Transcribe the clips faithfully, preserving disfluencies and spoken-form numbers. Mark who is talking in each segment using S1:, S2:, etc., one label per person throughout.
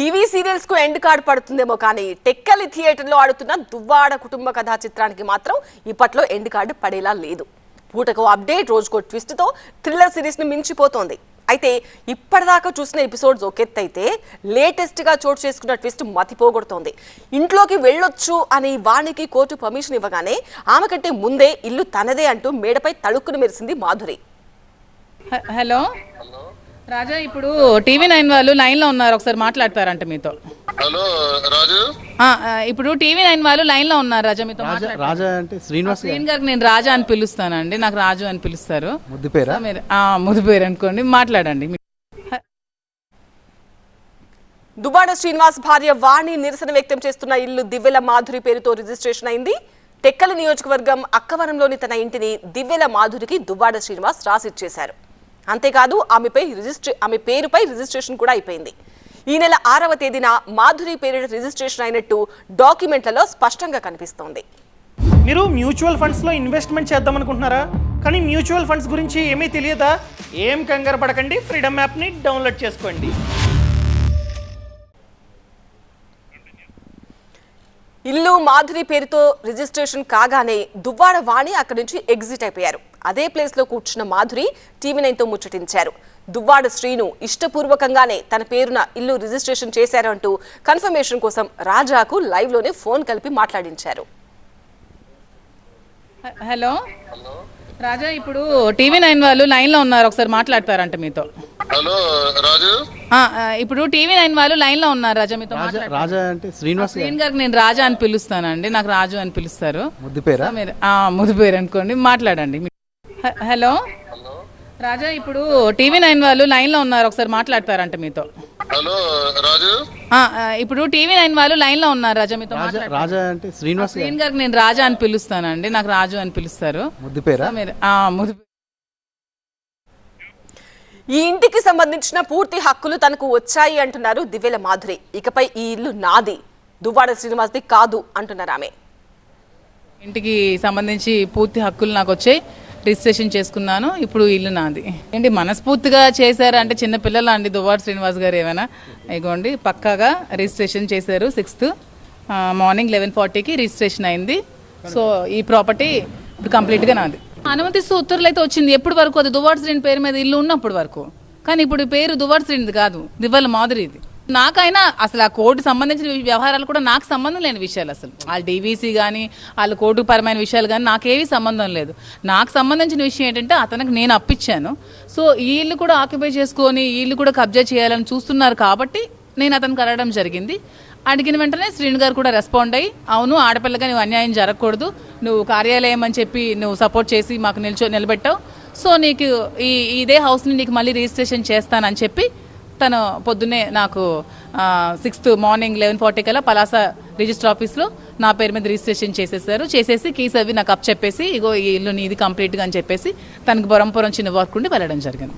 S1: TV serials కు end card పడుతుందేమో కానీ టెక్కలి థియేటర్ లో ఆడుతున్న దువ్వాడ కుటుంబ కథా చిత్రానికి మాత్రం ఇప్పట్లో ఎండ్ కార్డ్ పడేలా లేదు. పూటకో అప్డేట్, రోజుకో ట్విస్ట్ తో థ్రిల్లర్ సిరీస్ ని మించిపోతోంది. అయితే ఇప్పటిదాకా చూసిన ఎపిసోడ్స్ ఒకెత్తైతే లేటెస్ట్ గా చోటు చేసుకున్న ట్విస్ట్ మతిపోగొడుతోంది. ఇంట్లోకి వెళ్ళొచ్చు అని వాణికి కోర్టు పర్మిషన్ ఇవ్వగానే ఆమె కంటే ముందే ఇల్లు తనదే అంటూ మేడపై తడుక్కును మెరిసింది మాధురి.
S2: హలో రాజా, ఇప్పుడు టీవీ నైన్ వాళ్ళు లైన్ లో ఉన్నారు, ఒకసారి మాట్లాడతారంట మీతో.
S3: హలో రాజు,
S2: ఇప్పుడు టీవీ నైన్ వాళ్ళు లైన్ లో ఉన్నారు రాజా, మీతో.
S4: రాజా అంటే శ్రీనివాస్
S2: శ్రీన్ గారికి నేను రాజా అని పిలుస్తానండి, నాకు రాజు అని పిలుస్తారు.
S4: ముద్దు పేరా?
S2: ముద్దు పేరు అనుకోండి, మాట్లాడండి.
S1: దువ్వాడ శ్రీనివాస్ భార్య వాణి నిరసన వ్యక్తం చేస్తున్న ఇల్లు దివ్వెల మాధురి పేరుతో రిజిస్ట్రేషన్ అయింది. టెక్కలి నియోజకవర్గం అక్కవరంలోని తన ఇంటిని దివ్వెల మాధురికి దువ్వాడ శ్రీనివాస్ రాసిచ్చేశారు. అంతేకాదు ఆమెపై రిజిస్ట్రే ఆమె పేరుపై రిజిస్ట్రేషన్ కూడా అయిపోయింది. ఈ నెల ఆరవ తేదీన మాధురి పేరిట రిజిస్ట్రేషన్ అయినట్టు డాక్యుమెంట్లలో స్పష్టంగా కనిపిస్తోంది.
S5: మీరు మ్యూచువల్ ఫండ్స్లో ఇన్వెస్ట్మెంట్ చేద్దాం అనుకుంటున్నారా? కానీ మ్యూచువల్ ఫండ్స్ గురించి ఏమీ తెలియదా? ఏం కంగారు పడకండి, ఫ్రీడమ్ యాప్ని డౌన్లోడ్ చేసుకోండి.
S1: ఇల్లు మాధురి పేరుతో రిజిస్ట్రేషన్ కాగానే దువ్వాడ వాణి అక్కడి నుంచి ఎగ్జిట్ అయిపోయారు. అదే ప్లేస్ లో కూర్చున్న మాధురి టీవీ నైన్ తో ముచ్చటించారు. దువ్వాడ శ్రీను ఇష్టపూర్వకంగానే తన పేరున ఇల్లు రిజిస్ట్రేషన్ చేశారు అంటూ కన్ఫర్మేషన్ కోసం రాజాకు లైవ్ లోనే ఫోన్ కలిపి మాట్లాడించారు.
S2: హలో రాజా, ఇప్పుడు టీవీ నైన్ వాళ్ళు లైన్ లో ఉన్నారు, ఒకసారి మాట్లాడతారంట మీతో.
S3: హలో రాజు,
S2: ఇప్పుడు టీవీ నైన్ వాళ్ళు లైన్ లో ఉన్నారు రాజా, మీతో.
S4: రాజా అంటే శ్రీనివాస్
S2: శ్రీన్ గారికి నేను రాజా అని పిలుస్తానండి, నాకు రాజు అని పిలుస్తారు.
S4: ముద్దు పేరా?
S2: ముద్దు పేరు అనుకోండి, మాట్లాడండి. హలో రాజా, ఇప్పుడు టీవీ నైన్ వాళ్ళు లైన్ లో ఉన్నారు, ఒకసారి మాట్లాడతారంట మీతో.
S3: హలో రాజు,
S2: ఇప్పుడు టీవీ నైన్ వాళ్ళు లైన్ లో ఉన్నారు రాజా, మీతో.
S4: రాజా అంటే శ్రీనివాస్
S2: శ్రీన్ గారికి నేను రాజా అని పిలుస్తానండి, నాకు రాజు అని పిలుస్తారు.
S4: ముద్దు పేరా?
S2: ముద్దు.
S1: ఈ ఇంటికి సంబంధించిన పూర్తి హక్కులు తనకు వచ్చాయి అంటున్నారు దివ్వెల మాధురి. ఇకపై ఈ ఇల్లు నాది, దువ్వాడ శ్రీనివాస్ది కాదు అంటున్నారు ఆమె.
S2: ఇంటికి సంబంధించి పూర్తి హక్కులు నాకు వచ్చాయి, రిజిస్ట్రేషన్ చేసుకున్నాను, ఇప్పుడు ఇల్లు నాది. ఏంటి మనస్ఫూర్తిగా చేశారు అంటే చిన్న పిల్లలు అండి దువ్వాడ శ్రీనివాస్ గారు ఏమైనా. ఇగోండి పక్కాగా రిజిస్ట్రేషన్ చేశారు. సిక్స్త్ మార్నింగ్ లెవెన్ ఫార్టీకి రిజిస్ట్రేషన్ అయింది. సో ఈ ప్రాపర్టీ ఇప్పుడు కంప్లీట్గా నాది. అనుమతిస్తూ ఉత్తర్వులు అయితే వచ్చింది. ఎప్పటి వరకు అది దువ్వాడ శ్రీని పేరు మీద ఇల్లు ఉన్నప్పటి వరకు. కానీ ఇప్పుడు పేరు దువ్వాడ శ్రీనిది కాదు, దివ్వెల మాధురిది. నాకైనా అసలు ఆ కోర్టు సంబంధించిన వ్యవహారాలు కూడా నాకు సంబంధం లేని విషయాలు. అసలు వాళ్ళ డీవీసీ కానీ వాళ్ళ కోర్టు పరమైన విషయాలు కానీ నాకేమీ సంబంధం లేదు. నాకు సంబంధించిన విషయం ఏంటంటే అతనికి నేను అప్పించాను. సో ఈ ఇల్లు కూడా ఆక్యుపై చేసుకొని ఈ ఇల్లు కూడా కబ్జా చేయాలని చూస్తున్నారు కాబట్టి నేను అతనికి అడగడం జరిగింది. అడిగిన వెంటనే శ్రీను గారు కూడా రెస్పాండ్ అయ్యి, అవును ఆడపిల్లగా నువ్వు అన్యాయం జరగకూడదు, నువ్వు కార్యాలయం అని చెప్పి నువ్వు సపోర్ట్ చేసి మాకు నిల్చో నిలబెట్టావు. సో నీకు ఈ ఇదే హౌస్ని నీకు మళ్ళీ రిజిస్ట్రేషన్ చేస్తానని చెప్పి తను పొద్దున్నే నాకు సిక్స్త్ మార్నింగ్ లెవెన్ ఫార్టీ కల్లా పలాస రిజిస్టర్ ఆఫీస్లో నా పేరు మీద రిజిస్ట్రేషన్ చేసేసారు. చేసేసి కీస్ అవి నాకు అప్ చెప్పేసి ఇగో ఈ ఇల్లు నీది కంప్లీట్గా అని చెప్పేసి తనకు బొరంపురం చిన్న వర్క్ ఉండి వెళ్ళడం జరిగింది.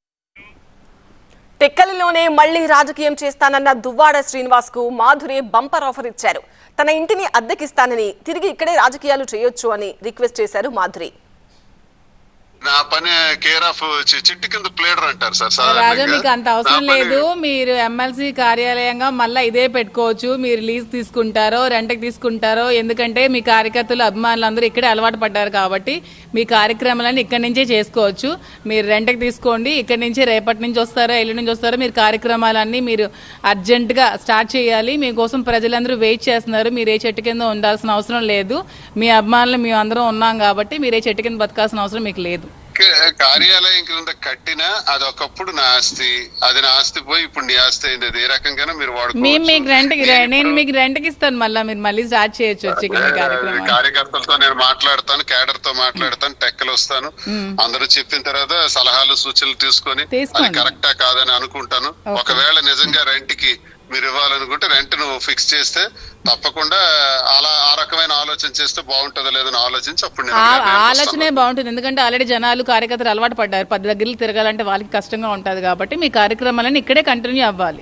S1: టెక్కలిలోనే మళ్లీ రాజకీయం చేస్తానన్న దువ్వాడ శ్రీనివాస్ కు మాధురి బంపర్ ఆఫర్ ఇచ్చారు. తన ఇంటిని అద్దెకిస్తానని, తిరిగి ఇక్కడే రాజకీయాలు చేయొచ్చు అని రిక్వెస్ట్ చేశారు మాధురి.
S3: నా పని కేర్ ఆఫ్ చిట్టి కింద ప్లేడర్ అంటారు సార్.
S2: రాజా మీకు అంత అవసరం లేదు, మీరు ఎమ్మెల్సీ కార్యాలయంగా మళ్ళీ ఇదే పెట్టుకోవచ్చు. మీరు లీజ్ తీసుకుంటారో రెంట్కి తీసుకుంటారో, ఎందుకంటే మీ కార్యకర్తలు అభిమానులు అందరూ ఇక్కడే అలవాటు పడ్డారు కాబట్టి మీ కార్యక్రమాలన్నీ ఇక్కడి నుంచే చేసుకోవచ్చు. మీరు రెంట్కి తీసుకోండి, ఇక్కడి నుంచి రేపటి నుంచి వస్తారో ఎల్లుండి నుంచి వస్తారో మీరు కార్యక్రమాలన్నీ మీరు అర్జెంటుగా స్టార్ట్ చేయాలి. మీకోసం ప్రజలందరూ వెయిట్ చేస్తున్నారు. మీరు ఏ చెట్టు కింద ఉండాల్సిన అవసరం లేదు. మీ అభిమానులు మేము అందరం ఉన్నాం కాబట్టి మీరు ఏ చెట్టు కింద బతకాల్సిన అవసరం మీకు లేదు.
S3: కార్యాలయం క్రింద కట్టినా అది ఒకప్పుడు నా ఆస్తి, అది నా ఆస్తి పోయి ఇప్పుడు నీ ఆస్తి అయింది. అది ఏ రకంగా మీరు వాడుకోవచ్చు.
S2: నేను మీకు రెంట్కి ఇస్తాను, మళ్ళీ మీరు మళ్ళీ స్టార్ట్ చేయొచ్చు.
S3: కార్యకర్తలతో నేను మాట్లాడతాను, క్యాడర్ తో మాట్లాడతాను, టెక్కలు వస్తాను, అందరూ చెప్పిన తర్వాత సలహాలు సూచనలు తీసుకొని అది కరెక్టా కాదని అనుకుంటాను. ఒకవేళ నిజంగా రెంట్కి మీరు ఇవ్వాలనుకుంటే రెంట్ నువ్వు ఫిక్స్ చేస్తే తప్పకుండా అలా ఆ రకమైన ఆలోచన చేస్తే బాగుంటుందో లేదని ఆలోచించి అప్పుడు
S2: ఆలోచనే బాగుంటుంది. ఎందుకంటే ఆల్రెడీ జనాలు కార్యకర్తలు అలవాటు పడ్డారు, పది దగ్గరలు తిరగాలంటే వాళ్ళకి కష్టంగా ఉంటుంది కాబట్టి మీ కార్యక్రమాలన్నీ ఇక్కడే కంటిన్యూ అవ్వాలి.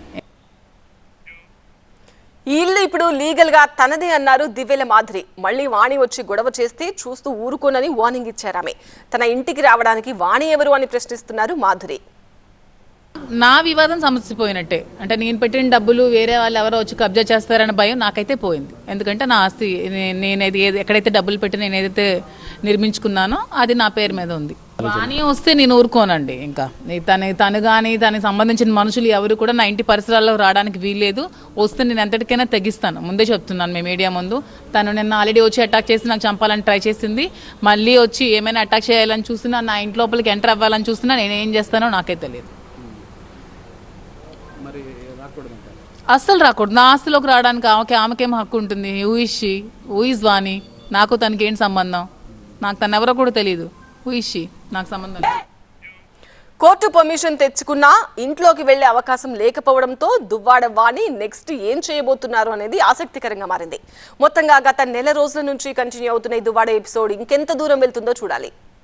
S1: ఈ ఇల్లు ఇప్పుడు లీగల్ గా తనదే అన్నారు దివ్వెల మాధురి. మళ్లీ వాణి వచ్చి గొడవ చేస్తే చూస్తూ ఊరుకోనని వార్నింగ్ ఇచ్చారు ఆమె. తన ఇంటికి రావడానికి వాణి ఎవరు అని ప్రశ్నిస్తున్నారు మాధురి.
S2: నా వివాదం సమస్యపోయినట్టే. అంటే నేను పెట్టిన డబ్బులు వేరే వాళ్ళు ఎవరో వచ్చి కబ్జా చేస్తారన్న భయం నాకైతే పోయింది. ఎందుకంటే నా ఆస్తి నేనేది ఎక్కడైతే డబ్బులు పెట్టి నేను ఏదైతే నిర్మించుకున్నానో అది నా పేరు మీద ఉంది. కానీ వస్తే నేను ఊరుకోనండి. ఇంకా తను తను కానీ తనకి సంబంధించిన మనుషులు ఎవరు కూడా నా ఇంటి పరిసరాల్లో రావడానికి వీల్లేదు. వస్తే నేను ఎంతటికైనా తెగిస్తాను. ముందే చెప్తున్నాను మీ మీడియా ముందు. తను నిన్న ఆల్రెడీ వచ్చి అటాక్ చేసి నాకు చంపాలని ట్రై చేసింది. మళ్ళీ వచ్చి ఏమైనా అటాక్ చేయాలని చూసినా, నా ఇంటి లోపలికి ఎంటర్ అవ్వాలని చూసినా నేను ఏం చేస్తానో నాకే తెలియదు. అస్సలు రాకూడదు. నా ఆస్తిలోకి రావడానికి ఆమెకి ఆమెకేం హక్కు ఉంటుంది? ఊయిషి ఊయిజ్ వాణి, నాకు తనకి ఏంటి సంబంధం? నాకు తను ఎవరో కూడా తెలియదు. ఊయిషి నాకు సంబంధం లేదు.
S1: కోర్టు పర్మిషన్ తెచ్చుకున్నా ఇంట్లోకి వెళ్లే అవకాశం లేకపోవడంతో దువ్వాడ వాణి నెక్స్ట్ ఏం చేయబోతున్నారు అనేది ఆసక్తికరంగా మారింది. మొత్తంగా గత నెల రోజుల నుంచి కంటిన్యూ అవుతున్న ఈ దువ్వాడ ఎపిసోడ్ ఇంకెంత దూరం వెళ్తుందో చూడాలి.